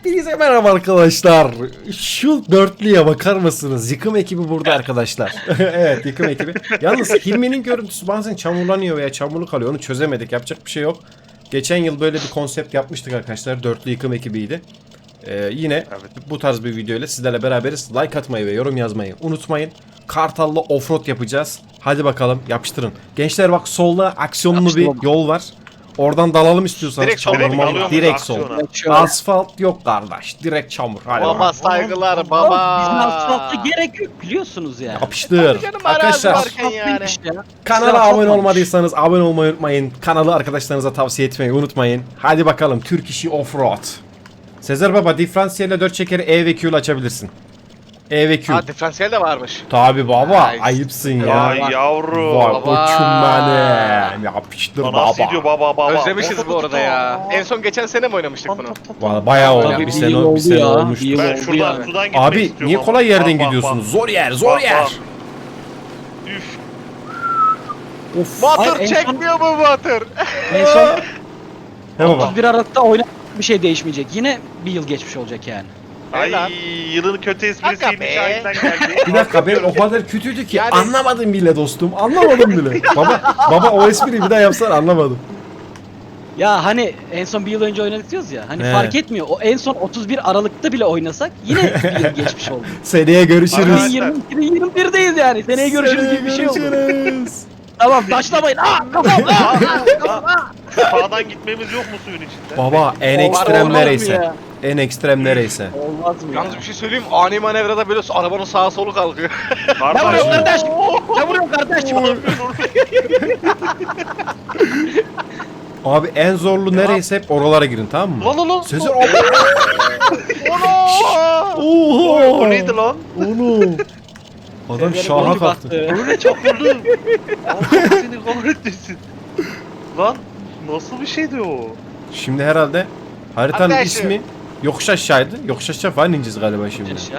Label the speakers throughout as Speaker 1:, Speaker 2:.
Speaker 1: Hepinize merhaba arkadaşlar. Şu dörtlüye bakar mısınız? Yıkım ekibi burada arkadaşlar. Evet, yıkım ekibi. Yalnız Hilmi'nin görüntüsü bazen çamurlanıyor veya çamurlu kalıyor. Onu çözemedik. Yapacak bir şey yok. Geçen yıl böyle bir konsept yapmıştık arkadaşlar. Dörtlü yıkım ekibiydi. Yine bu tarz bir video ile sizlerle beraberiz. Like atmayı ve yorum yazmayı unutmayın. Kartal'la offroad yapacağız. Hadi bakalım, yapıştırın. Gençler bak, solda aksiyonlu bir yol var. Oradan dalalım istiyorsanız.
Speaker 2: Direkt
Speaker 1: çamur, direkt sol. Asfalt yok kardeş. Direkt çamur. Hadi
Speaker 2: Baba
Speaker 1: bakalım.
Speaker 2: saygılar baba.
Speaker 3: Bizim asfalta gerek yok biliyorsunuz yani.
Speaker 1: Yapıştır.
Speaker 2: Canım,
Speaker 1: Arkadaşlar
Speaker 2: arazi varken yani.
Speaker 1: kanala abone olmadıysanız abone olmayı unutmayın. Kanalı arkadaşlarınıza tavsiye etmeyi unutmayın. Hadi bakalım, Türk işi offroad. Sezer baba, diferansiyelle 4 çekeri E ve Q ile açabilirsin. E ve Q.
Speaker 2: Ha, diferansiyel de varmış.
Speaker 1: Tabi baba,
Speaker 2: Ay,
Speaker 1: ayıpsın ya.
Speaker 4: Ay yavrum.
Speaker 1: Vay
Speaker 2: Baba.
Speaker 1: koçum benim. Yapıştır
Speaker 4: Nasıl
Speaker 1: baba.
Speaker 4: gidiyor baba?
Speaker 2: Özlemişiz bu arada ya. En son geçen sene mi oynamıştık bunu?
Speaker 1: Vallahi bayağı oldu.
Speaker 3: Tabii
Speaker 1: Bir sene,
Speaker 3: oldu
Speaker 1: bir sene
Speaker 3: ya,
Speaker 1: olmuştu.
Speaker 3: bir yıl
Speaker 4: Ben
Speaker 3: oldu
Speaker 4: şuradan
Speaker 3: yani.
Speaker 4: sudan gitmek
Speaker 1: Abi
Speaker 4: istiyorum
Speaker 1: niye
Speaker 4: ama.
Speaker 1: kolay yerden
Speaker 4: Bak, bak,
Speaker 1: gidiyorsunuz?
Speaker 4: bak.
Speaker 1: Zor yer, zor
Speaker 4: Bak,
Speaker 1: yer.
Speaker 4: bak. Üf.
Speaker 1: Of.
Speaker 3: Hayır,
Speaker 2: Batır
Speaker 3: en son-
Speaker 2: çekmiyor mu Batır?
Speaker 3: En son
Speaker 1: He baba.
Speaker 3: 31 Aralık'ta oyna bir şey değişmeyecek. Yine bir yıl geçmiş olacak yani.
Speaker 2: Helal.
Speaker 4: Ay yılın kötü
Speaker 2: Aga
Speaker 4: esprisiymiş
Speaker 2: be.
Speaker 4: Şahin'den geldi.
Speaker 1: Bir dakika, ben o kadar kötüydü ki
Speaker 2: Yani-
Speaker 1: anlamadım bile dostum. Anlamadım bile. baba o espriyi bir daha yapsan anlamadım.
Speaker 3: Ya hani en son bir yıl önce oynadık diyoruz ya. Hani
Speaker 1: He.
Speaker 3: fark etmiyor. O en son 31 Aralık'ta bile oynasak yine bir yıl geçmiş oldu.
Speaker 1: Seneye görüşürüz.
Speaker 4: Arkadaşlar.
Speaker 3: 2021'deyiz yani. Seneye görüşürüz gibi bir şey oldu.
Speaker 1: Görüşürüz.
Speaker 3: Tamam taşlamayın. Aa kafam.
Speaker 4: Sağdan gitmemiz yok mu suyun içinde?
Speaker 1: Baba en
Speaker 3: Olmaz
Speaker 1: ekstrem
Speaker 3: mı
Speaker 1: nereyse.
Speaker 3: ya?
Speaker 1: En ekstrem nereyse.
Speaker 3: Olmaz mı ya?
Speaker 2: Yalnız bir şey söyleyeyim, ani manevrada böyle arabanın sağa solu kalkıyor.
Speaker 3: Ne vuruyorsun
Speaker 4: Kardeş.
Speaker 3: kardeş? Ne vuruyorsun kardeş?
Speaker 1: Abi en zorlu nereyse hep oralara girin, tamam mı?
Speaker 2: Lan lan.
Speaker 1: Sezer abi. Oha.
Speaker 4: O neydi lan?
Speaker 1: Oğlum. Adam
Speaker 3: Sezer'in
Speaker 1: şaha
Speaker 3: boynu
Speaker 1: kalktı.
Speaker 3: battı.
Speaker 4: Öyle çakıldı. Allah seni kahretmesin. Lan nasıl bir şeydi o?
Speaker 1: Şimdi herhalde haritanın
Speaker 2: Arkadaşlar.
Speaker 1: ismi yokuş aşağıydı. Yokuş aşağı falan ineceğiz galiba şimdi.
Speaker 3: Ya.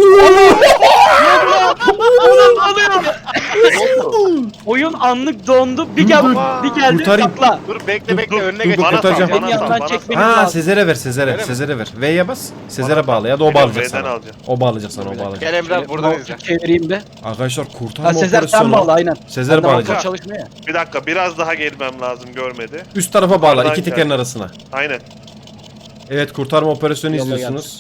Speaker 3: Oyun anlık dondu. Bir gel, bir geldi
Speaker 1: Kurtarayım.
Speaker 3: patla.
Speaker 2: Dur bekle
Speaker 1: Dur,
Speaker 2: bekle,
Speaker 1: dur,
Speaker 2: önüne
Speaker 1: dur,
Speaker 2: geç.
Speaker 1: dur,
Speaker 4: Bana
Speaker 1: kurtaracağım.
Speaker 4: sal,
Speaker 3: Beni
Speaker 4: bana sal,
Speaker 3: yandan
Speaker 4: bana
Speaker 3: çekmeni
Speaker 4: sal.
Speaker 1: Ha,
Speaker 3: lazım.
Speaker 1: Sezer'e ver, Sezer'e.
Speaker 2: Öyle mi?
Speaker 1: Sezer'e ver. V'ye bas. Sezer'e bağla ya da o
Speaker 4: V'den
Speaker 1: bağlayacak sana.
Speaker 4: alacağım.
Speaker 1: O bağlayacak sana, o bağlayacak.
Speaker 2: Gel Emrah, buradan izle.
Speaker 3: Çevireyim be.
Speaker 1: Arkadaşlar kurtarma
Speaker 3: Ha Sezer sen
Speaker 1: operasyonu.
Speaker 3: bağla aynen.
Speaker 1: Sezer
Speaker 3: Sen de
Speaker 1: bağlayacak.
Speaker 3: motor çalışmıyor ya.
Speaker 4: Bir dakika biraz daha gelmem lazım görmedi.
Speaker 1: Üst tarafa bağla,
Speaker 4: Yukarıdan
Speaker 1: iki tekerin
Speaker 4: gel.
Speaker 1: arasına.
Speaker 4: Aynen.
Speaker 1: Evet, kurtarma operasyonu
Speaker 3: Yola
Speaker 1: izliyorsunuz.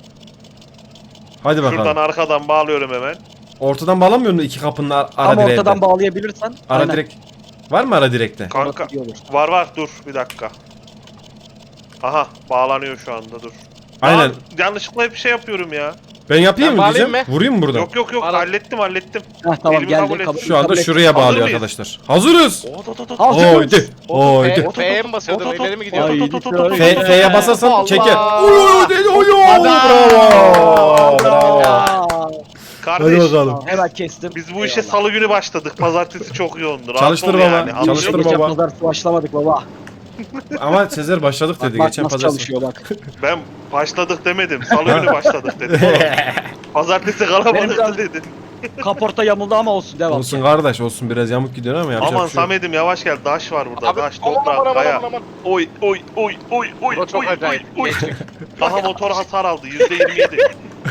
Speaker 1: Hadi bakalım.
Speaker 4: Şuradan arkadan bağlıyorum hemen.
Speaker 1: Ortadan bağlamıyor musun iki kapının ara
Speaker 3: Ama
Speaker 1: direğe?
Speaker 3: ortadan bağlayabilirsen.
Speaker 1: Ara
Speaker 3: aynen.
Speaker 1: direk. Var mı ara direkte?
Speaker 4: Kanka
Speaker 3: İyi olur.
Speaker 4: var dur bir dakika. Aha bağlanıyor şu anda dur.
Speaker 1: Aynen.
Speaker 4: Lan, yanlışlıkla hep bir şey yapıyorum ya.
Speaker 1: Ben yapayım
Speaker 2: Ben
Speaker 1: mı
Speaker 2: bağlayayım
Speaker 1: diyeceğim?
Speaker 2: mı?
Speaker 1: Vurayım mı burada?
Speaker 4: Yok
Speaker 2: Bağlan.
Speaker 4: hallettim.
Speaker 3: Heh, tamam
Speaker 4: Elimi kabul
Speaker 3: geldi.
Speaker 4: et.
Speaker 3: Kabul,
Speaker 1: Şu anda
Speaker 3: kabul et.
Speaker 1: şuraya
Speaker 4: Hazır
Speaker 1: bağlıyor
Speaker 4: mıyız?
Speaker 1: arkadaşlar. Hazırız.
Speaker 3: Hazırız.
Speaker 1: Haydi. Haydi.
Speaker 2: F'ye mi basıyordum, ileri mi gidiyordum?
Speaker 1: F'ye basarsan
Speaker 2: Allah.
Speaker 1: çeker. Oy dedi oy. Bravo. Bravo.
Speaker 3: Aa,
Speaker 1: Hadi
Speaker 4: Kardeş
Speaker 1: bakalım.
Speaker 3: hemen kestim.
Speaker 4: biz bu işe salı günü başladık. Pazartesi çok yoğundu. Rahat
Speaker 1: Çalıştır
Speaker 4: ol
Speaker 1: baba,
Speaker 4: yani. Anlıyor
Speaker 1: çalıştır
Speaker 4: musun?
Speaker 3: Geçen
Speaker 1: baba.
Speaker 3: pazartesi başlamadık baba.
Speaker 1: Ama Sezer başladık dedi
Speaker 3: Bak
Speaker 1: geçen
Speaker 3: nasıl
Speaker 1: pazartesi.
Speaker 3: çalışıyor bak.
Speaker 4: Ben başladık demedim. Salı günü başladık dedim. oğlum. Pazartesi
Speaker 3: Benim
Speaker 4: kalabalıktı
Speaker 3: biraz-
Speaker 4: dedin.
Speaker 3: Kaporta yamuldu ama olsun devam.
Speaker 1: Olsun kardeş, olsun, biraz yamuk gidiyor ama yapacak
Speaker 4: Aman
Speaker 1: bir şey yok.
Speaker 4: Samet'im yavaş gel. Daş var burada.
Speaker 2: Abi
Speaker 4: Daş,
Speaker 2: aman
Speaker 4: toprak,
Speaker 2: aman
Speaker 4: kaya.
Speaker 2: aman aman.
Speaker 4: Oy oy oy oy oy
Speaker 2: Bu çok
Speaker 4: oy
Speaker 2: acayip.
Speaker 4: oy.
Speaker 2: Geçtik.
Speaker 4: Aha motor hasar aldı. %27.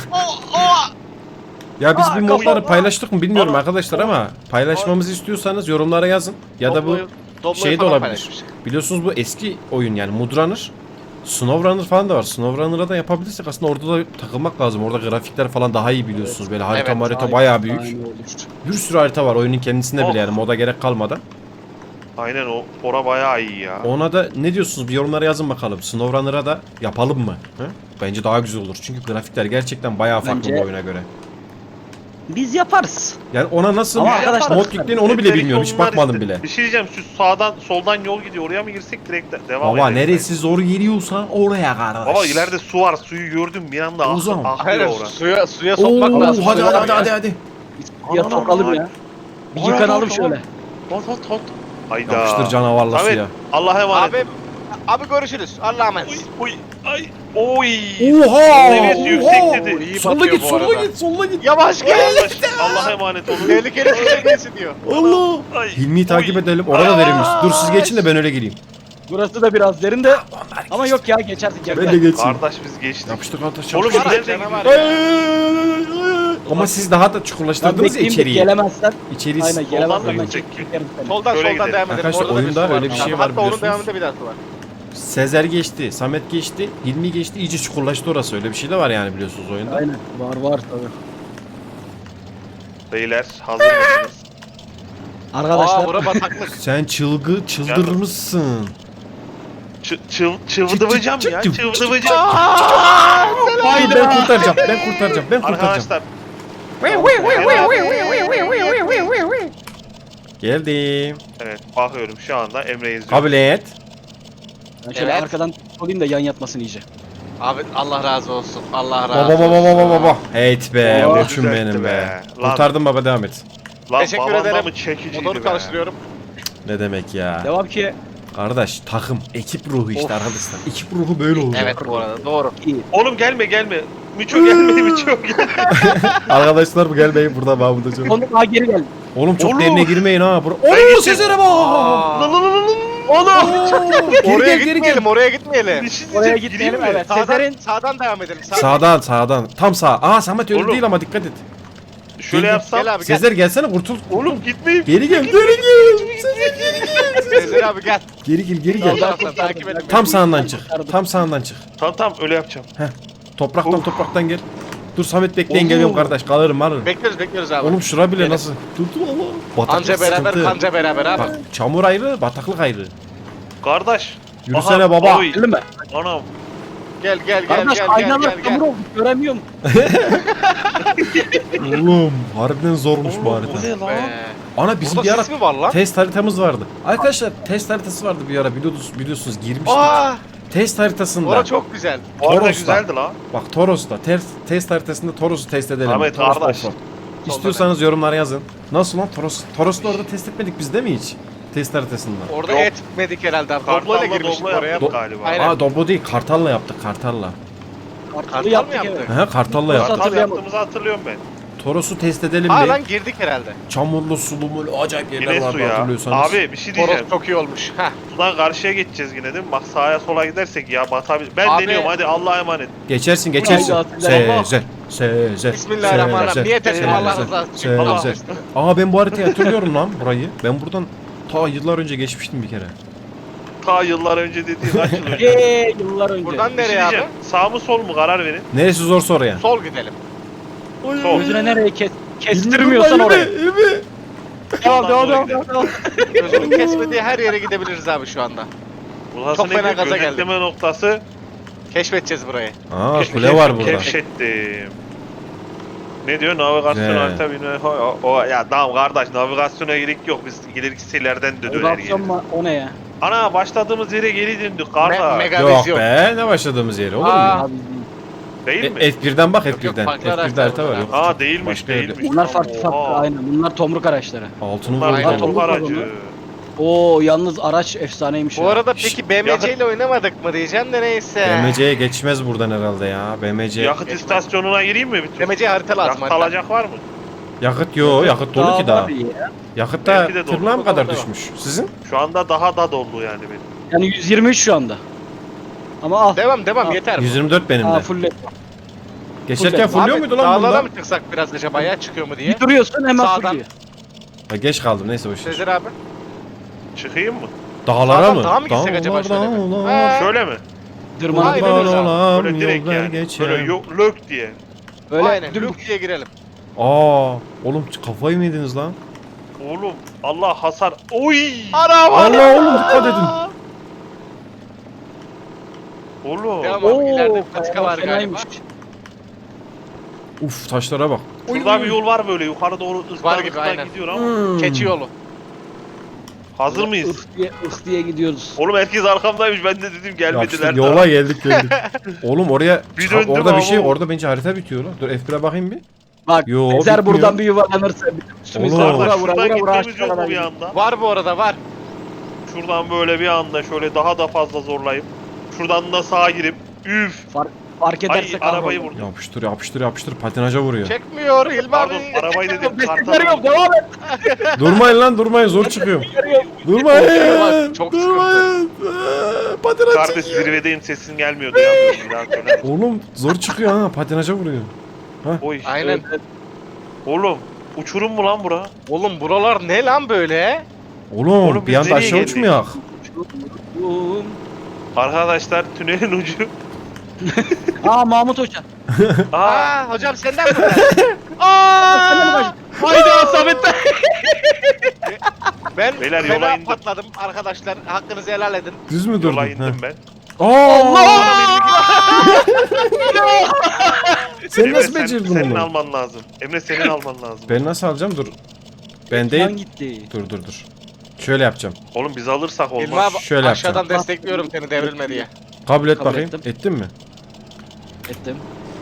Speaker 1: Ya biz bu modları
Speaker 4: kafam-
Speaker 1: paylaştık mı bilmiyorum
Speaker 4: Bana-
Speaker 1: arkadaşlar ama paylaşmamızı istiyorsanuz yorumlara yazın. Ya da bu
Speaker 2: Doblo'yu
Speaker 1: şey de
Speaker 2: falan
Speaker 1: olabilir.
Speaker 2: paylaşmış.
Speaker 1: Biliyorsunuz bu eski oyun yani Mudrunner. SnowRunner falan da var. SnowRunner'a da yapabilirsek aslında orada da takılmak lazım. Orada grafikler falan daha iyi biliyorsunuz. Böyle harita
Speaker 2: Evet,
Speaker 1: marita
Speaker 3: Aynen,
Speaker 1: bayağı büyük.
Speaker 3: aynen olur.
Speaker 1: Bir sürü harita var oyunun kendisinde
Speaker 4: Oh.
Speaker 1: bile yani moda gerek kalmadan.
Speaker 4: Aynen o. Ora bayağı iyi ya.
Speaker 1: Ona da ne diyorsunuz? Bir yorumlara yazın bakalım. SnowRunner'a da yapalım mı? Hı? Bence daha güzel olur. Çünkü grafikler gerçekten bayağı farklı
Speaker 3: Bence-
Speaker 1: bu oyuna göre.
Speaker 3: Biz yaparız.
Speaker 1: Yani ona nasıl
Speaker 3: Ama arkadaşlar-
Speaker 1: mod yüklerini onu bile
Speaker 4: Dedik
Speaker 1: bilmiyorum. Hiç
Speaker 4: onlar
Speaker 1: bakmadım
Speaker 4: işte.
Speaker 1: bile.
Speaker 4: Bir şey diyeceğim. Şu sağdan soldan yol gidiyor. Oraya mı girsek direkt devam
Speaker 1: Baba
Speaker 4: edelim.
Speaker 1: neresi zor geliyorsa oraya kardeş.
Speaker 4: Baba ileride su var. Suyu gördüm bir anda
Speaker 1: O zaman.
Speaker 4: aklıyor
Speaker 2: Aynen,
Speaker 4: oraya.
Speaker 2: suya sokmak
Speaker 1: Oo,
Speaker 2: lazım.
Speaker 1: hadi
Speaker 2: Suya
Speaker 1: hadi
Speaker 2: ya.
Speaker 1: hadi hadi.
Speaker 3: Ya
Speaker 4: Aman,
Speaker 3: sokalım
Speaker 4: aman.
Speaker 3: ya. Bir
Speaker 4: Aman,
Speaker 3: yıkanalım
Speaker 4: aman.
Speaker 3: şöyle.
Speaker 4: Hot. Hayda.
Speaker 1: Yapıştır canavarla
Speaker 4: Samet,
Speaker 1: suya.
Speaker 4: Allah'a emanet.
Speaker 2: Abi görüşürüz. Allah'a emanet.
Speaker 4: Oy ay. Oy.
Speaker 1: Oha!
Speaker 4: Seviyesi yüksek dedi.
Speaker 2: İyi
Speaker 1: Solla
Speaker 2: batıyor
Speaker 1: git,
Speaker 2: bu
Speaker 1: solla
Speaker 2: arada.
Speaker 1: git, solla git.
Speaker 2: Yavaş gel.
Speaker 4: Allah'a emanet olun.
Speaker 2: Tehlikeli suya geçsin diyor.
Speaker 1: Allah!
Speaker 4: Ay.
Speaker 1: Hilmi'yi takip
Speaker 4: Oy.
Speaker 1: edelim. Orada verilmiş. Dur siz geçin de ben öyle gireyim.
Speaker 3: Burası da biraz derin de ama yok ya geçersin
Speaker 1: Ben de
Speaker 3: geçersin.
Speaker 1: geçeyim.
Speaker 4: Kardeş biz geçtik.
Speaker 1: Yapıştık kardeş.
Speaker 4: Oğlum
Speaker 1: yapıştık.
Speaker 4: nerede
Speaker 2: canavar
Speaker 4: gidiyoruz?
Speaker 2: ya.
Speaker 1: Ama siz daha da
Speaker 3: Ben
Speaker 1: çukurlaştırdınız ya
Speaker 3: bekleyeyim de
Speaker 1: içeriği.
Speaker 3: gelemezsen.
Speaker 1: İçeriği
Speaker 3: Aynen
Speaker 4: mı
Speaker 3: gelemezsen ben
Speaker 4: gidecek?
Speaker 3: çekerim seni.
Speaker 2: Soldan
Speaker 4: Şöyle
Speaker 2: soldan
Speaker 4: gidelim.
Speaker 2: devam edelim.
Speaker 1: Arkadaşlar,
Speaker 2: Orada da bir
Speaker 1: oyunda
Speaker 2: su var.
Speaker 1: öyle bir şey var
Speaker 2: Hatta onun
Speaker 1: biliyorsunuz.
Speaker 2: devamında bir daha su var.
Speaker 1: Sezer geçti, Samet geçti, Hilmi geçti. İyice çukurlaştı orası. Öyle bir şey de var yani biliyorsunuz oyunda.
Speaker 3: Aynen var tabii.
Speaker 4: Beyler hazır mısınız?
Speaker 3: Arkadaşlar
Speaker 2: Aa bura bataklık.
Speaker 1: Sen çıldırmışsın.
Speaker 4: Çıvdıvacağım ya.
Speaker 1: çık,
Speaker 4: Çıvdıvacağım.
Speaker 1: Ben kurtaracağım.
Speaker 4: Arkadaşlar.
Speaker 1: Geldim.
Speaker 4: Evet bakıyorum şu anda Emre'yi izliyorum.
Speaker 1: Kabul et.
Speaker 3: ben şöyle
Speaker 2: Evet.
Speaker 3: arkadan olayım da yan yatmasın iyice.
Speaker 2: Abi Allah razı olsun. Allah razı
Speaker 1: Baba
Speaker 2: olsun.
Speaker 1: baba. Heyt be,
Speaker 3: Oh,
Speaker 1: koçum
Speaker 4: düzeltti
Speaker 1: benim be.
Speaker 4: be. Lan.
Speaker 1: Kurtardım baba, devam et.
Speaker 4: Lan
Speaker 2: Teşekkür
Speaker 4: babanda
Speaker 2: ederim.
Speaker 4: mı çekiciydi
Speaker 2: Motoru
Speaker 4: be?
Speaker 2: karıştırıyorum.
Speaker 1: Ne demek ya?
Speaker 3: Devam ki
Speaker 1: Kardeş, takım, ekip ruhu işte
Speaker 2: Of.
Speaker 1: arkadaşlar. Ekip ruhu böyle olur.
Speaker 2: Evet bu arada doğru.
Speaker 3: iyi.
Speaker 4: Oğlum gelme. Miço gelmedi Miço gelme.
Speaker 1: Arkadaşlar bu gelmeyin burada ben burada çok.
Speaker 3: Sonra geri gel.
Speaker 1: Oğlum çok
Speaker 4: Oğlum.
Speaker 1: derine girmeyin ha. Oğlum
Speaker 4: geçtim.
Speaker 1: Sezer'e bak.
Speaker 2: Aa,
Speaker 4: Oğlum.
Speaker 2: oraya
Speaker 1: geri gel.
Speaker 2: gitmeyelim, oraya gitmeyelim.
Speaker 4: Bir şey
Speaker 3: Oraya
Speaker 4: diyeceğim,
Speaker 3: gitmeyelim
Speaker 4: gireyim mi?
Speaker 3: evet. Sezer'in
Speaker 2: Sağdan devam edelim.
Speaker 1: Sağdan. Tam sağ. Aa Samet öyle
Speaker 4: Oğlum.
Speaker 1: değil ama dikkat et.
Speaker 4: Şöyle
Speaker 1: Gel,
Speaker 4: yapsam.
Speaker 2: Gel abi gel.
Speaker 1: Sezer gelsene kurtul.
Speaker 4: Oğlum gitmeyeyim.
Speaker 1: Geri gel. Sezer geri gel.
Speaker 2: Sezer abi gel.
Speaker 1: Geri
Speaker 2: Sol
Speaker 1: gel.
Speaker 2: taraftan takip edin.
Speaker 1: Tam sağından çık. Tam sağından çık.
Speaker 4: Tamam öyle yapacağım.
Speaker 1: Topraktan gel. Dur Samet bekleyin
Speaker 4: Oğlum.
Speaker 1: geliyorum kardeş. Kalırım.
Speaker 2: Bekliyoruz abi.
Speaker 1: Oğlum şura bile
Speaker 2: Gelin.
Speaker 1: nasıl? Tuttu valla. Bataklık
Speaker 2: Anca beraber,
Speaker 1: sıkıntı.
Speaker 2: kanca beraber abi.
Speaker 1: Bak çamur ayrı, bataklık ayrı.
Speaker 4: Kardeş.
Speaker 1: Yürüsene
Speaker 4: Aha,
Speaker 1: baba.
Speaker 4: oy.
Speaker 3: Geldin mi?
Speaker 4: Anam.
Speaker 2: Gel
Speaker 3: Kardeş aynalar çamur oldu göremiyorum.
Speaker 1: Oğlum harbiden zormuş bu
Speaker 4: Oğlum,
Speaker 1: harita.
Speaker 4: bu ne lan?
Speaker 2: Be.
Speaker 1: Ana bizim bir
Speaker 2: Burada
Speaker 1: ara
Speaker 2: sis mi var lan?
Speaker 1: test haritamız vardı. Arkadaşlar test haritası vardı bir ara biliyorsunuz girmiştik.
Speaker 2: Aa,
Speaker 1: Test haritasında.
Speaker 2: orası çok güzel.
Speaker 4: Bu arada
Speaker 1: Toros'ta.
Speaker 4: güzeldi lan.
Speaker 1: Bak Toros'ta test haritasında Toros'u test edelim.
Speaker 4: Ahmet
Speaker 1: Toros
Speaker 4: kardeş.
Speaker 1: offroad. İstiyorsanız yorumlara yazın. Nasıl lan Toros? Toros'ta orada test etmedik biz değil mi hiç? Test haritasında.
Speaker 2: Orada
Speaker 4: Yok.
Speaker 2: etmedik herhalde abi. Doblo'yla
Speaker 4: Kartal'la
Speaker 2: girmiştik
Speaker 4: doblo
Speaker 2: oraya.
Speaker 4: yaptık galiba.
Speaker 2: Aynen.
Speaker 1: Aa Doblo değil Kartal'la yaptık Kartal'la.
Speaker 3: Kartalı
Speaker 2: Kartal mı
Speaker 3: yaptık
Speaker 2: yaptık?
Speaker 3: evet.
Speaker 1: He Kartal'la
Speaker 3: Nasıl
Speaker 1: yaptık.
Speaker 4: Kartal
Speaker 3: hatırlayamadım.
Speaker 4: yaptığımızı hatırlıyorum ben.
Speaker 1: Toros'u test edelim
Speaker 2: Aa
Speaker 1: mi?
Speaker 2: lan girdik herhalde.
Speaker 1: Çamurlu sulu mulu acayip yerler
Speaker 4: Yine su
Speaker 1: vardı
Speaker 4: ya.
Speaker 1: hatırlıyorsanız.
Speaker 4: Abi bir şey diyeceğim.
Speaker 2: Toros çok iyi olmuş. Heh.
Speaker 4: Sudan karşıya geçeceğiz yine değil mi? Bak sağa sola gidersek ya batabilir. Ben
Speaker 2: Abi-
Speaker 4: deniyorum hadi Allah'a emanet.
Speaker 1: Geçersin.
Speaker 3: Haydi
Speaker 1: Sezer.
Speaker 2: Bismillahirrahmanirrahim. Niyet ettim Allah
Speaker 1: Sezer.
Speaker 2: rızası için. Allah
Speaker 1: Sezer.
Speaker 2: aşkına.
Speaker 1: Aa ben bu haritayı hatırlıyorum lan burayı. Ben buradan ta yıllar önce geçmiştim bir kere.
Speaker 4: Ta yıllar önce dediğin kaç yıl önce?
Speaker 3: Yıllar önce.
Speaker 2: Buradan
Speaker 4: Bir şey
Speaker 2: nereye abi?
Speaker 4: diyeceğim. Sağ mı sol mu karar verin.
Speaker 1: Neresi zorsa oraya.
Speaker 2: Sol gidelim.
Speaker 4: Sol.
Speaker 3: Gözüne nereye kestirmiyorsan oraya. Devam.
Speaker 2: Gözünün kesmediği her yere gidebiliriz abi şu anda.
Speaker 4: Burası
Speaker 2: Çok
Speaker 4: ne
Speaker 2: fena
Speaker 4: diyor?
Speaker 2: gaza geldim.
Speaker 4: Gözetleme noktası.
Speaker 2: Keşfedeceğiz burayı.
Speaker 1: Aa kule var burada.
Speaker 4: Keşfettim. Ne diyor? Navigasyon
Speaker 1: Güzel.
Speaker 4: harita bilmem. Ya tamam kardeş navigasyona gerek yok. Biz ilerisilerden de döner
Speaker 3: Navigasyon
Speaker 4: geliriz.
Speaker 3: mu? O ne ya?
Speaker 4: Ana başladığımız yere geri döndük kardeş.
Speaker 2: Mega
Speaker 1: Yok
Speaker 2: vizyon.
Speaker 1: be ne başladığımız yeri olur mu?
Speaker 2: Aa.
Speaker 3: Abi,
Speaker 4: Değil mi?
Speaker 1: F1'den bak
Speaker 2: Yok,
Speaker 1: F1'den.
Speaker 2: farklı
Speaker 1: F1'de
Speaker 2: araçlar
Speaker 1: harita var
Speaker 2: bunlar
Speaker 1: yok.
Speaker 4: Ha değilmiş
Speaker 1: Başka yerde.
Speaker 4: değilmiş.
Speaker 3: bunlar farklı
Speaker 4: Oha.
Speaker 3: aynen. Bunlar tomruk araçları.
Speaker 1: Altını
Speaker 4: Bunlar
Speaker 2: Aynen.
Speaker 1: vurdum.
Speaker 4: motor aracı.
Speaker 3: Oo yalnız araç efsaneymiş
Speaker 2: Bu
Speaker 3: ya.
Speaker 2: arada peki BMC ile oynamadık mı diyeceğim de neyse.
Speaker 1: BMC'ye geçmez buradan herhalde ya. BMC.
Speaker 4: Yakıt istasyonuna gireyim mi? Bir tur?
Speaker 2: BMC harita lazım.
Speaker 4: Yakıt
Speaker 2: harita.
Speaker 4: alacak var mı?
Speaker 1: Yakıt yok. Yakıt dolu ki daha.
Speaker 3: var ya.
Speaker 1: Yakıt da
Speaker 4: Belki de dolu.
Speaker 1: tırnağa mı kadar
Speaker 2: Dolu.
Speaker 1: düşmüş? Sizin?
Speaker 4: Şu anda daha da dolu yani benim.
Speaker 3: Yani 123 şu anda. Ama al.
Speaker 2: Devam
Speaker 3: Aa,
Speaker 2: yeter.
Speaker 1: 124 benim
Speaker 3: Aa
Speaker 1: de.
Speaker 3: full
Speaker 1: Geçerken fulluyor
Speaker 2: Abi,
Speaker 1: muydu lan
Speaker 2: dağlara
Speaker 1: bunda?
Speaker 2: mı çıksak biraz acaba ya çıkıyor mu diye.
Speaker 3: bir duruyorsun hemen
Speaker 2: Sağdan.
Speaker 3: fulluyor.
Speaker 1: Ha, geç kaldım neyse boş ver.
Speaker 2: Sezer abi.
Speaker 4: Çıkayım mı?
Speaker 1: Dağlara
Speaker 2: Sağdan
Speaker 1: mı?
Speaker 2: dağa mı gitsek acaba şöyle mi?
Speaker 1: dağlar.
Speaker 2: Ha.
Speaker 4: Şöyle mi?
Speaker 3: Dırmanıp
Speaker 2: Aynen
Speaker 3: dönüyoruz
Speaker 2: öyle.
Speaker 3: abi.
Speaker 1: Dağlar
Speaker 4: Böyle direkt
Speaker 1: yollar
Speaker 4: yani.
Speaker 1: geçer.
Speaker 4: Böyle yok lök diye.
Speaker 3: Öyle
Speaker 2: Aynen
Speaker 3: dümdüz.
Speaker 2: Luke diye girelim.
Speaker 1: Oğlum kafayı mı yediniz lan?
Speaker 4: Oğlum Allah hasar. Oy!
Speaker 2: Araba.
Speaker 1: Allah oğlum dikkat edin.
Speaker 4: Oğlum.
Speaker 2: Devam abi ileride
Speaker 3: Oo,
Speaker 2: bir patika var galiba.
Speaker 3: fenaymış.
Speaker 1: Uf taşlara bak.
Speaker 4: Şurada bir yol var böyle yukarı doğru
Speaker 2: Var gibi,
Speaker 4: ıslar
Speaker 2: aynen.
Speaker 4: gidiyor ama.
Speaker 1: Hmm.
Speaker 2: Keçi yolu.
Speaker 4: Hazır mıyız?
Speaker 3: Ih diye gidiyoruz.
Speaker 4: Oğlum herkes arkamdaymış ben de dedim gelmediler.
Speaker 1: Yapıştık, yola geldik. Oğlum oraya
Speaker 4: Bir döndüm
Speaker 1: orada bir
Speaker 4: ama
Speaker 1: şey
Speaker 4: o-
Speaker 1: orada bence harita bitiyor lan. Dur F1'e bakayım bir.
Speaker 3: Bak
Speaker 1: Yo,
Speaker 3: Ezer
Speaker 1: bitmiyor.
Speaker 3: buradan bir yuvarlanırsa üstümüzde
Speaker 1: Oğlum.
Speaker 3: vura
Speaker 4: Kardeş
Speaker 3: vura
Speaker 4: şuradan
Speaker 3: vura vura
Speaker 4: gitmemiz yok mu
Speaker 3: aşağıdan
Speaker 4: bir
Speaker 3: gidiyor.
Speaker 4: anda?
Speaker 2: Var bu arada var.
Speaker 4: Şuradan böyle bir anda şöyle daha da fazla zorlayıp şuradan da sağa girip üf
Speaker 3: Fark
Speaker 4: Ay
Speaker 3: ederse
Speaker 4: arabayı
Speaker 3: kahrolur.
Speaker 4: vurdum.
Speaker 1: Yapıştır yapıştır yapıştır patinaja vuruyor.
Speaker 2: Çekmiyor Hilmi
Speaker 4: Pardon
Speaker 2: abi.
Speaker 4: arabayı dedim.
Speaker 3: Desteklerim
Speaker 4: Kartal.
Speaker 3: devam et.
Speaker 1: Durmayın lan durmayın zor çıkıyorum. Durmayın.
Speaker 2: Çok
Speaker 1: Durmayın. Patinaj
Speaker 4: Kardeş
Speaker 1: çekiyor.
Speaker 4: zirvedeyim sesin gelmiyor duyamıyorum. Bir daha söyler misin?
Speaker 1: Oğlum zor çıkıyor ha patinaja vuruyor.
Speaker 4: Oy.
Speaker 2: Aynen.
Speaker 4: Oğlum uçurum mu lan bura?
Speaker 2: Oğlum buralar ne lan böyle?
Speaker 1: Oğlum,
Speaker 4: Oğlum,
Speaker 1: bir
Speaker 4: biz
Speaker 1: anda
Speaker 4: nereye
Speaker 1: aşağı
Speaker 4: geldik?
Speaker 1: uçmayak.
Speaker 4: Arkadaşlar tünelin ucu.
Speaker 3: Aa Mahmut Hoca.
Speaker 4: Aa,
Speaker 2: Aa hocam senden mi?
Speaker 3: Sen de mi
Speaker 2: Aa!
Speaker 3: kaçtın? Haydi Asamet'ten.
Speaker 2: Ben
Speaker 4: Beyler, yola
Speaker 2: fena
Speaker 4: indim.
Speaker 2: patladım arkadaşlar. Hakkınızı helal edin.
Speaker 1: Düz mü durdun?
Speaker 4: yola
Speaker 1: Ha.
Speaker 4: indim ben.
Speaker 1: Allah! Sen
Speaker 4: Emre,
Speaker 1: nasıl becerdin
Speaker 4: senin
Speaker 1: onu?
Speaker 4: alman lazım. Emre senin alman lazım.
Speaker 1: Ben nasıl alacağım dur. Ben
Speaker 3: Ekran
Speaker 1: değil.
Speaker 3: gitti.
Speaker 1: Dur. Şöyle yapacağım.
Speaker 4: Oğlum biz alırsak
Speaker 2: Hilmi
Speaker 4: olmaz.
Speaker 2: abi
Speaker 1: Şöyle
Speaker 2: aşağıdan
Speaker 1: yapacağım.
Speaker 2: destekliyorum seni devrilme diye.
Speaker 1: Kabul et
Speaker 3: Kabul
Speaker 1: bakayım.
Speaker 3: ettim.
Speaker 1: Ettin mi?
Speaker 3: Ettim.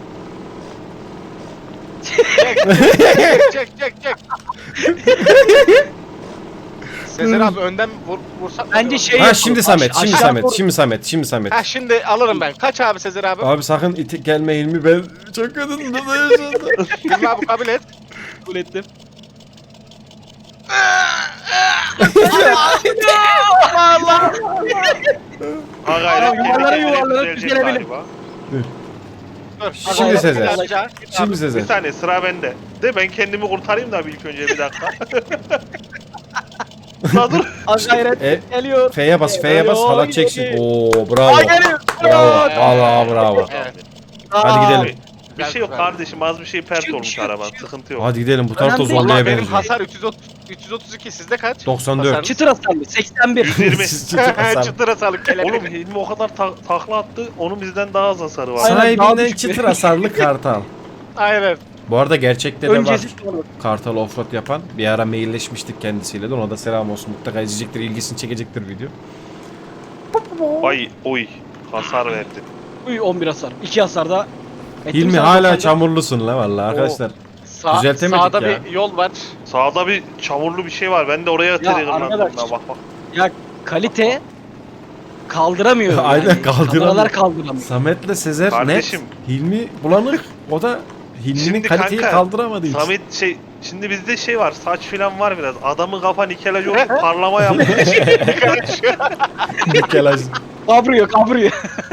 Speaker 2: Çek. Sezer abi önden vursak mı
Speaker 3: Bence
Speaker 2: acaba?
Speaker 3: şey
Speaker 1: Ha
Speaker 3: yapalım.
Speaker 1: şimdi Samet, şimdi
Speaker 3: Aşağı
Speaker 1: Samet,
Speaker 3: doğru-
Speaker 1: şimdi Samet.
Speaker 2: Ha şimdi alırım ben. Kaç abi Sezer abi?
Speaker 1: Abi sakın gelme Hilmi ben çok kötü yaşadım.
Speaker 2: Hilmi abi kabul et.
Speaker 3: Kabul ettim.
Speaker 4: Ha gayret
Speaker 3: Yuvarlara
Speaker 4: kendi kendine
Speaker 3: yuvarlara
Speaker 4: düzelecek
Speaker 3: düzelebilir.
Speaker 4: galiba.
Speaker 2: Dur.
Speaker 1: Şimdi
Speaker 2: Abi,
Speaker 1: Sezer.
Speaker 2: alacağı.
Speaker 1: Şimdi
Speaker 4: Bir
Speaker 1: Sezer.
Speaker 4: saniye sıra bende. De ben kendimi kurtarayım da ilk önce bir dakika. La dur.
Speaker 3: Az gayret
Speaker 1: E,
Speaker 3: geliyor.
Speaker 1: F'ye bas, F'ye bas, halat çeksin. Oo bravo.
Speaker 3: Ay geliyor.
Speaker 1: Bravo. Vallahi bravo.
Speaker 2: Evet.
Speaker 1: Hadi gidelim.
Speaker 4: Bir şey yok kardeşim az bir şey pert olmuş araban. Sıkıntı yok.
Speaker 1: Hadi gidelim bu tarafta
Speaker 3: Önemli değil.
Speaker 2: Allah
Speaker 1: zorluya
Speaker 2: benim
Speaker 1: benziyor.
Speaker 2: hasar 332 sizde kaç?
Speaker 1: 94.
Speaker 2: Hasarınız?
Speaker 3: Çıtır hasarlı 81.
Speaker 4: 120.
Speaker 2: Çıtıra salık
Speaker 4: Oğlum
Speaker 2: kelebek.
Speaker 4: Hilmi o kadar takla attı. Onun bizden daha az hasarı var.
Speaker 3: Aynen, daha
Speaker 1: Sahibinden
Speaker 3: düşük.
Speaker 1: çıtır hasarlı kartal.
Speaker 2: Aynen.
Speaker 1: Bu arada gerçekte de var.
Speaker 3: Öncesi sonra.
Speaker 1: Kartal offroad yapan. Bir ara mailleşmiştik kendisiyle de. Ona da selam olsun. Mutlaka izleyecektir, ilgisini çekecektir video.
Speaker 4: Ay oy. Hasar verdi.
Speaker 3: Uy 11 hasar. 2 hasar da. ettim
Speaker 1: Hilmi
Speaker 3: sana
Speaker 1: hala
Speaker 3: 94.
Speaker 1: çamurlusun la vallahi arkadaşlar. Düzeltemedik
Speaker 2: Sağda
Speaker 1: ya.
Speaker 2: bir yol var.
Speaker 4: Sağda bir çamurlu bir şey var. Ben de oraya triggerlandım.
Speaker 3: arkadaş.
Speaker 4: Bak.
Speaker 3: Ya kalite kaldıramıyor.
Speaker 1: Aynen,
Speaker 3: yani.
Speaker 1: kaldıramıyor.
Speaker 3: Kameralar kaldıramıyor.
Speaker 1: Samet'le Sezer
Speaker 4: Kardeşim.
Speaker 1: net. Hilmi bulanık. O da Hilmi'nin
Speaker 4: Şimdi
Speaker 1: kaliteyi
Speaker 4: kanka,
Speaker 1: kaldıramadığı için.
Speaker 4: Samet şimdi bizde şey var. Saç filan var biraz. Adamın kafa nikelaj oldu. Parlama yapmış.
Speaker 1: Nikelaj.
Speaker 3: Kavrıyor.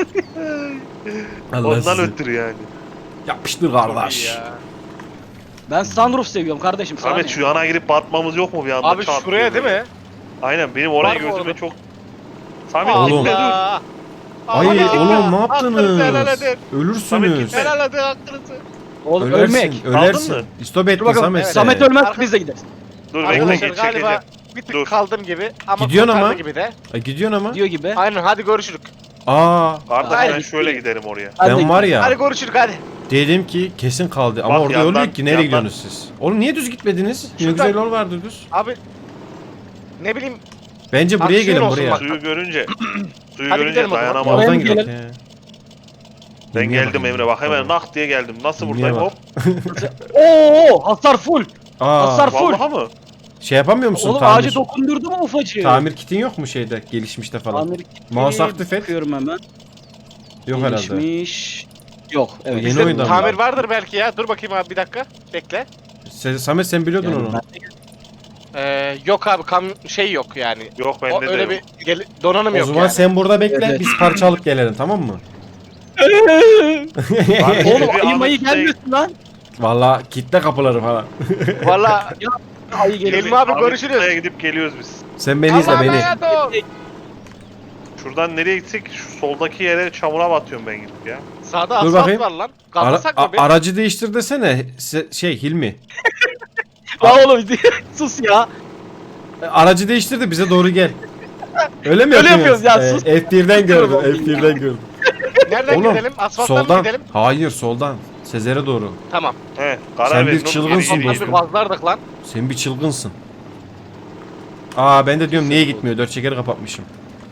Speaker 1: Allah
Speaker 4: Ondan
Speaker 1: sizi.
Speaker 4: ötürü yani.
Speaker 1: Yapıştır
Speaker 2: Çok iyi
Speaker 1: kardeş.
Speaker 2: ya.
Speaker 3: Ben sunroof seviyorum kardeşim. sana
Speaker 4: Samet
Speaker 3: ne?
Speaker 4: şu yana girip batmamız yok mu bir anda?
Speaker 2: Abi
Speaker 4: Çat
Speaker 2: şuraya
Speaker 4: diye
Speaker 2: değil mi?
Speaker 4: Aynen benim oraya
Speaker 2: Var mı
Speaker 4: gözüme
Speaker 2: orada?
Speaker 4: çok... Samet
Speaker 1: Oğlum.
Speaker 4: gitme dur.
Speaker 2: Allah.
Speaker 1: Ay
Speaker 2: Allah.
Speaker 1: oğlum ne
Speaker 2: Hakkınızı helal
Speaker 1: yaptınız?
Speaker 2: edin.
Speaker 4: Samet
Speaker 1: Ölürsünüz.
Speaker 4: gitme.
Speaker 2: Helal edin hakkınızı.
Speaker 3: Oğlum
Speaker 1: Ölersin.
Speaker 3: ölmek.
Speaker 1: Ölersin.
Speaker 4: mı?
Speaker 1: İstop
Speaker 3: Dur
Speaker 1: ettin
Speaker 3: bakalım.
Speaker 1: Samet.
Speaker 2: Evet.
Speaker 3: Samet
Speaker 1: sen.
Speaker 3: ölmez
Speaker 2: Arka-
Speaker 3: biz de gideriz.
Speaker 4: Dur bekle
Speaker 2: Arkadaşlar
Speaker 4: git
Speaker 2: galiba
Speaker 4: çekeceğim.
Speaker 2: bir tık
Speaker 4: Dur.
Speaker 2: kaldım gibi ama
Speaker 1: Gidiyorsun
Speaker 2: kurtardı
Speaker 1: ama.
Speaker 2: gibi de.
Speaker 1: Ay, gidiyorsun ama.
Speaker 3: Diyor gibi.
Speaker 2: Aynen hadi görüşürük.
Speaker 1: Aa.
Speaker 4: Kardeş
Speaker 3: Hayır.
Speaker 4: ben şöyle giderim oraya.
Speaker 3: Ben de
Speaker 1: Ben var ya.
Speaker 2: Hadi görüşürük hadi.
Speaker 1: Dedim ki kesin kaldı ama
Speaker 4: Bak
Speaker 1: orada
Speaker 4: yandan-
Speaker 1: yol yok ki nereye
Speaker 4: yandan-
Speaker 1: gidiyorsunuz siz? Oğlum niye düz gitmediniz? Ne
Speaker 2: Şuradan-
Speaker 1: güzel yol vardı düz.
Speaker 2: Abi ne bileyim
Speaker 1: Bence buraya
Speaker 2: Aksiyon
Speaker 1: gelin
Speaker 2: olsun
Speaker 1: buraya.
Speaker 2: bak.
Speaker 4: Suyu görünce
Speaker 2: Hadi
Speaker 4: görünce
Speaker 2: gidelim o zaman.
Speaker 4: dayanamam.
Speaker 3: Oraya
Speaker 1: Oradan
Speaker 3: mı
Speaker 1: gidelim.
Speaker 3: gidelim?
Speaker 4: Ben
Speaker 1: Hilmi'ye
Speaker 4: geldim
Speaker 1: bak.
Speaker 4: Emre bak hemen
Speaker 1: Tamam.
Speaker 4: nak diye geldim. Nasıl
Speaker 1: Hilmi'ye
Speaker 4: buradayım
Speaker 1: bak.
Speaker 4: hop.
Speaker 3: Oo hasar full.
Speaker 1: Aa,
Speaker 3: Hasar full.
Speaker 4: Vallahi mı?
Speaker 1: şey yapamıyor musun?
Speaker 3: Oğlum
Speaker 1: Tamir,
Speaker 3: ağacı dokundurdu mu ufacığı?
Speaker 1: tamir kitin yok mu şeyde gelişmişte falan?
Speaker 3: Tamir
Speaker 1: Mouse aktif et.
Speaker 3: Bakıyorum hemen.
Speaker 1: Yok herhalde.
Speaker 3: Gelişmiş. Yok. Evet.
Speaker 1: Yeni
Speaker 2: bizde
Speaker 1: oyundan mı?
Speaker 2: tamir vardır belki ya. Dur bakayım abi bir dakika. Bekle.
Speaker 1: Samet sen biliyordun
Speaker 3: Yani
Speaker 1: onu.
Speaker 2: Yok abi şey yok yani.
Speaker 4: Yok
Speaker 2: O
Speaker 4: bende de
Speaker 2: öyle
Speaker 4: yok.
Speaker 2: bir donanım
Speaker 1: O
Speaker 2: yok
Speaker 1: zaman
Speaker 2: yani.
Speaker 1: sen burada bekle
Speaker 3: Evet.
Speaker 1: biz parça alıp gelelim tamam mı?
Speaker 4: Kardeşim,
Speaker 3: Oğlum
Speaker 4: bir
Speaker 3: ayı mayı
Speaker 4: Ahmet Bey-
Speaker 3: gelmiyorsun lan.
Speaker 1: Valla kitle kapıları falan.
Speaker 2: Valla
Speaker 3: Ayı geliyor.
Speaker 2: Hilmi abi
Speaker 4: Ahmet
Speaker 2: görüşürüz.
Speaker 4: Usta'ya gidip geliyoruz biz.
Speaker 1: Sen beni izle
Speaker 2: Allah'a
Speaker 1: beni.
Speaker 2: emanet ol.
Speaker 4: Şuradan nereye gitsek şu soldaki yere çamura batıyorum ben gidip ya.
Speaker 2: Sağda
Speaker 1: Dur
Speaker 2: asfalt
Speaker 1: bakayım.
Speaker 2: var lan.
Speaker 1: Ara-
Speaker 2: Kalmasak mı bir?
Speaker 1: aracı değiştir desene şey Hilmi.
Speaker 3: Ya oğlum sus ya.
Speaker 1: Aracı değiştir de bize doğru gel. Öyle mi
Speaker 3: Öyle
Speaker 1: yapıyoruz?
Speaker 3: yapıyoruz ya, sus.
Speaker 1: F1'den gördüm F1'den gördüm.
Speaker 2: Nereden
Speaker 1: Oğlum,
Speaker 2: gidelim? Asfalttan mı
Speaker 1: Soldan.
Speaker 2: gidelim?
Speaker 1: Hayır soldan. Sezer'e doğru.
Speaker 2: Tamam.
Speaker 4: He karar
Speaker 1: Sen bir
Speaker 4: verin oğlum,
Speaker 1: çılgınsın
Speaker 4: geri
Speaker 1: dostum.
Speaker 2: Bir
Speaker 4: gideyim.
Speaker 2: vazlardık lan.
Speaker 1: Sen bir çılgınsın. Aa ben de diyorum niye gitmiyor? 4 çekeri kapatmışım.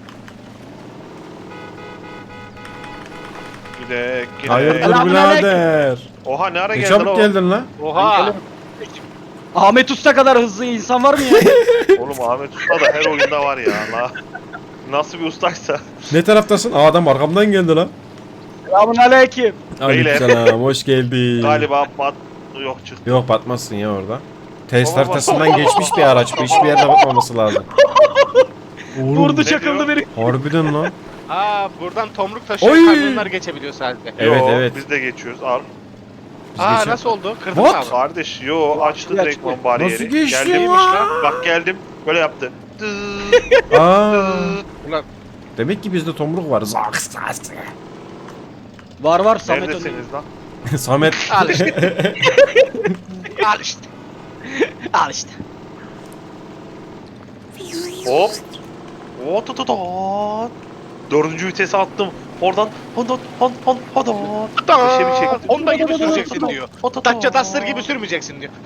Speaker 4: Gidek gidek.
Speaker 1: Hayırdır
Speaker 3: Selamünaleyküm.
Speaker 1: birader?
Speaker 4: Oha ne ara
Speaker 1: Ne
Speaker 4: geldin
Speaker 1: çabuk
Speaker 4: o?
Speaker 1: geldin lan?
Speaker 2: Oha.
Speaker 3: Ahmet Usta kadar hızlı insan var mı ya?
Speaker 4: Oğlum Ahmet Usta da her oyunda var ya. Allah. Nasıl bir ustaysa.
Speaker 1: Ne taraftasın? Aa adam arkamdan geldi lan.
Speaker 3: Selamünaleyküm.
Speaker 1: Aleykümselam, hoş geldin.
Speaker 4: Galiba yok çıktı.
Speaker 1: Yok batmazsın ya orada. Test
Speaker 4: Baba,
Speaker 1: haritasından geçmiş bir araç bu. Hiçbir yerde batmaması lazım. Oğlum,
Speaker 3: Vurdu
Speaker 4: ne
Speaker 3: çakıldı
Speaker 4: diyor?
Speaker 3: biri.
Speaker 1: harbiden lan.
Speaker 2: Aa buradan tomruk taşıyan
Speaker 1: Oy!
Speaker 2: kamyonlar geçebiliyor sadece.
Speaker 1: Evet,
Speaker 4: Yo,
Speaker 1: evet.
Speaker 4: Biz de geçiyoruz al.
Speaker 1: Biz
Speaker 2: Aa
Speaker 1: geçelim.
Speaker 2: nasıl oldu? Kırdın
Speaker 1: What?
Speaker 2: mı?
Speaker 4: Kardeş yo açtı
Speaker 3: Açtı.
Speaker 4: direktman bariyeri.
Speaker 1: Nasıl geçti
Speaker 4: Geldim
Speaker 1: lan?
Speaker 4: Bak geldim böyle yaptı.
Speaker 1: Aa,
Speaker 2: Ulan
Speaker 1: demek ki bizde tomruk var. Zaks, zaks.
Speaker 3: Var Samet önünde.
Speaker 4: Neredesiniz lan?
Speaker 1: Samet.
Speaker 2: al işte. Al işte.
Speaker 3: Al işte.
Speaker 4: Hop. Otototon. Dördüncü vitese attım. Oradan Honda. Bir şey çektim.
Speaker 2: Honda gibi süreceksin diyor. Dacia Duster gibi sürmeyeceksin diyor.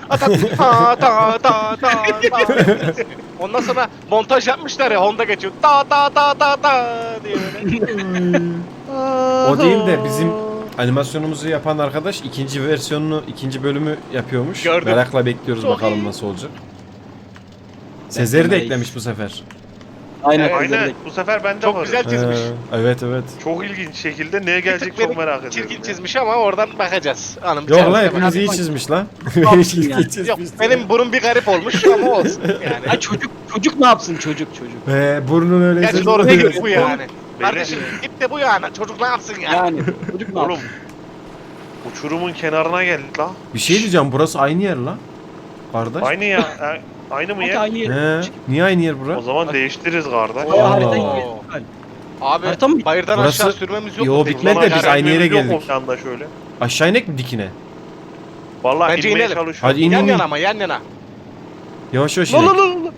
Speaker 2: Ondan sonra montaj yapmışlar ya Honda geçiyor. Diye böyle.
Speaker 1: O değil de bizim animasyonumuzu yapan arkadaş ikinci versiyonunu, ikinci bölümü yapıyormuş.
Speaker 2: Gördüm.
Speaker 1: Merakla bekliyoruz
Speaker 2: Çok
Speaker 1: bakalım
Speaker 2: iyi.
Speaker 1: nasıl olacak. Sezer'i de
Speaker 3: Beklemeyiz.
Speaker 1: eklemiş bu sefer.
Speaker 3: Aynen.
Speaker 2: Evet,
Speaker 4: Aynen bu sefer bende
Speaker 2: Çok
Speaker 4: var.
Speaker 2: güzel çizmiş.
Speaker 1: Evet, evet.
Speaker 4: Çok ilginç şekilde neye
Speaker 2: Bir
Speaker 4: gelecek
Speaker 2: tık
Speaker 4: çok
Speaker 2: beni
Speaker 4: merak ediyorum.
Speaker 2: çirkin
Speaker 4: ya.
Speaker 2: çizmiş ama oradan bakacağız. Hanım
Speaker 1: Yok
Speaker 2: sen-
Speaker 1: lan
Speaker 2: sen-
Speaker 1: hepiniz iyi
Speaker 3: bak.
Speaker 1: çizmiş lan.
Speaker 3: Yapsın
Speaker 1: Beni çirkin
Speaker 3: yani.
Speaker 1: çizmiş.
Speaker 2: Yok benim burun bir garip olmuş ama olsun yani.
Speaker 3: Ay çocuk ne yapsın çocuk.
Speaker 1: Burnun öyleyse.
Speaker 2: Gerçi doğru
Speaker 3: Beyler.
Speaker 2: değil bu yani. Kardeşim git de bu yani. Çocuk ne yapsın yani?
Speaker 3: Yani çocuk ne
Speaker 4: Oğlum
Speaker 3: yapsın?
Speaker 4: uçurumun kenarına geldik la.
Speaker 1: Bir şey diyeceğim, burası aynı yer lan. Kardeş.
Speaker 4: Aynı ya. Aynı mı
Speaker 3: Sanki
Speaker 4: ya?
Speaker 3: aynı yer.
Speaker 1: He, niye aynı yer
Speaker 4: O
Speaker 1: bura?
Speaker 4: zaman değiştiririz kardeş.
Speaker 3: O
Speaker 1: Allah.
Speaker 3: haritayı
Speaker 2: Oo. Abi
Speaker 3: Harita mı?
Speaker 2: bayırdan
Speaker 1: Burası-
Speaker 2: aşağı sürmemiz yok
Speaker 1: Yo,
Speaker 2: mu?
Speaker 1: bitmedi de
Speaker 2: Ulan
Speaker 1: biz
Speaker 2: yani-
Speaker 1: aynı yere
Speaker 4: Yok mu
Speaker 1: geldik.
Speaker 4: planda şöyle.
Speaker 1: Aşağı inek mi dikine?
Speaker 4: Vallahi
Speaker 2: Bence
Speaker 4: inmeye
Speaker 2: inelim.
Speaker 4: çalışıyorum.
Speaker 1: Hadi in
Speaker 2: Yan
Speaker 1: in.
Speaker 2: yana ama yan yana.
Speaker 1: Yavaş yavaş
Speaker 4: La
Speaker 1: inek.
Speaker 4: la la la.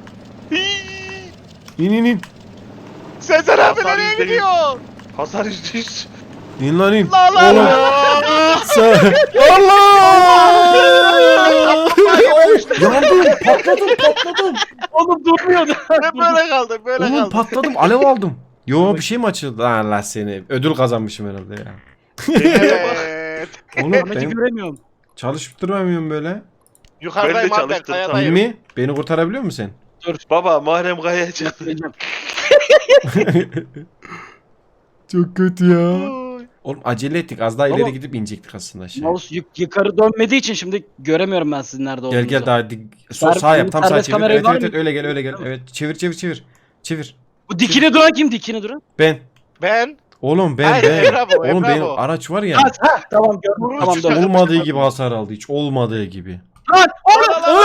Speaker 1: İn.
Speaker 2: Sezer abi
Speaker 4: Hasan
Speaker 2: nereye
Speaker 4: %100.
Speaker 2: gidiyor?
Speaker 4: Hasar %100.
Speaker 1: İn lan in.
Speaker 2: La la
Speaker 1: Oğlum.
Speaker 2: la.
Speaker 1: Sen... Allah! Yandım, patladım.
Speaker 3: Oğlum durmuyordu.
Speaker 2: Böyle kaldı böyle
Speaker 1: Oğlum
Speaker 2: kaldı.
Speaker 1: patladım, alev aldım. Yo, bir şey mi açıldı? Lan Allah seni. Ödül kazanmışım herhalde ya.
Speaker 2: Evet.
Speaker 1: Oğlum
Speaker 3: Ahmet'i
Speaker 1: ben
Speaker 3: göremiyorum.
Speaker 1: çalışıp duramıyorum böyle.
Speaker 2: Yukarıdayım
Speaker 4: Ben de
Speaker 2: abi
Speaker 4: çalıştım,
Speaker 2: kayadayım.
Speaker 1: Mi? Beni kurtarabiliyor musun
Speaker 4: Baba Muharrem Kaya'ya çıktı.
Speaker 3: Göreceğim.
Speaker 1: Çok kötü ya. Oğlum acele ettik. Az daha ileri
Speaker 3: Baba-
Speaker 1: gidip inecektik aslında aşağı.
Speaker 3: Mouse yukarı dönmediği için şimdi göremiyorum ben sizin nerede olduğunuzu.
Speaker 1: Gel daha sağ yap, tam sağ
Speaker 3: Serbest
Speaker 1: çevir.
Speaker 3: kamerayı
Speaker 1: Evet
Speaker 3: var
Speaker 1: evet,
Speaker 3: mı?
Speaker 1: evet öyle gel öyle gel.
Speaker 3: Tamam.
Speaker 1: Evet çevir.
Speaker 3: Bu dikine duran kim? Dikine duran?
Speaker 1: Ben.
Speaker 2: Ben.
Speaker 1: Oğlum
Speaker 2: Hayır,
Speaker 1: ben.
Speaker 2: Emrah bu,
Speaker 1: Oğlum
Speaker 2: Emrah
Speaker 1: benim
Speaker 2: bu.
Speaker 1: araç var ya.
Speaker 3: Tamam gördüm. Tamam dön.
Speaker 1: Olmadığı gibi hasar aldı, hiç olmadığı gibi.
Speaker 3: Lan oğlum!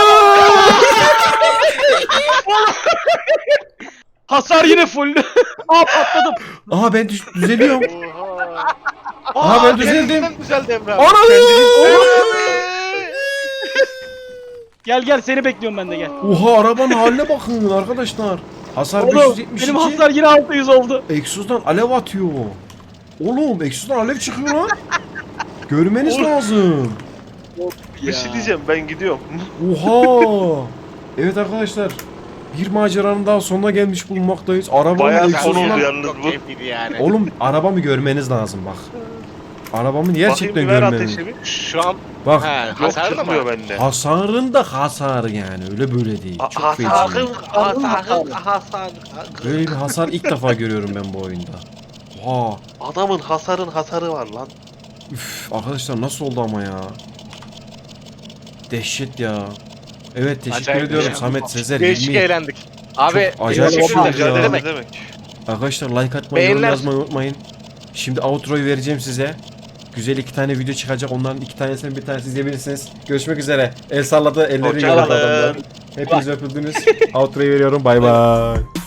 Speaker 3: Hasar yine full. Aa patladım.
Speaker 1: Aha ben düzeliyorum.
Speaker 2: Oha.
Speaker 1: Aha, ben düzeldim.
Speaker 2: kendisinden düzeldi Emre abi.
Speaker 1: Anam!
Speaker 3: Gel seni bekliyorum ben de gel.
Speaker 1: Oha, arabanın haline bakın arkadaşlar. Hasar
Speaker 3: Oğlum
Speaker 1: 572.
Speaker 3: benim hasar yine 600 oldu.
Speaker 1: Egzozdan alev atıyor. Oğlum egzozdan alev çıkıyor lan. Görmeniz lazım.
Speaker 4: Bir şey diyeceğim ben gidiyorum.
Speaker 1: Oha. Evet arkadaşlar. Bir maceranın daha sonuna gelmiş bulunmaktayız. Arabanın
Speaker 4: Bayağı
Speaker 1: egzozundan...
Speaker 4: son oldu yalnız
Speaker 2: Çok
Speaker 4: bu.
Speaker 2: keyifliydi yani.
Speaker 1: Oğlum arabamı görmeniz lazım bak. Arabamı gerçekten
Speaker 4: Bakayım bir ver
Speaker 1: görmeniz.
Speaker 4: ateşimi.
Speaker 2: Şu an
Speaker 1: Bak
Speaker 2: he,
Speaker 4: Yok
Speaker 2: hasarlı mı?
Speaker 4: çıkmıyor bende.
Speaker 1: hasarın da hasarı yani, öyle böyle değil. Çok feci.
Speaker 2: Hasar.
Speaker 1: Böyle bir hasar ilk defa görüyorum ben bu oyunda. Oha.
Speaker 4: Adamın hasarı var lan.
Speaker 1: Üf, arkadaşlar nasıl oldu ama ya? Dehşet ya. Evet teşekkür
Speaker 2: Acayip
Speaker 1: ediyorum
Speaker 2: ya.
Speaker 1: Samet, Sezer,
Speaker 2: Değişik
Speaker 1: Hilmi.
Speaker 2: eğlendik. Abi
Speaker 1: Çok acayip
Speaker 2: teşekkür
Speaker 1: bir şey
Speaker 2: ederim.
Speaker 1: ya.
Speaker 2: Ne demek?
Speaker 4: demek?
Speaker 1: Arkadaşlar like atmayı, yorum
Speaker 2: Beğeniler-
Speaker 1: yazmayı unutmayın. Şimdi outro'yu vereceğim size. Güzel 2 tane video çıkacak. Onların 2 tanesini bir tanesi izleyebilirsiniz. Görüşmek üzere. El salladı, elleri
Speaker 4: Hoşça
Speaker 1: yolladı
Speaker 4: kalın.
Speaker 1: adamlar. Hepiniz öpüldünüz. Outro'yu veriyorum. Bay bay.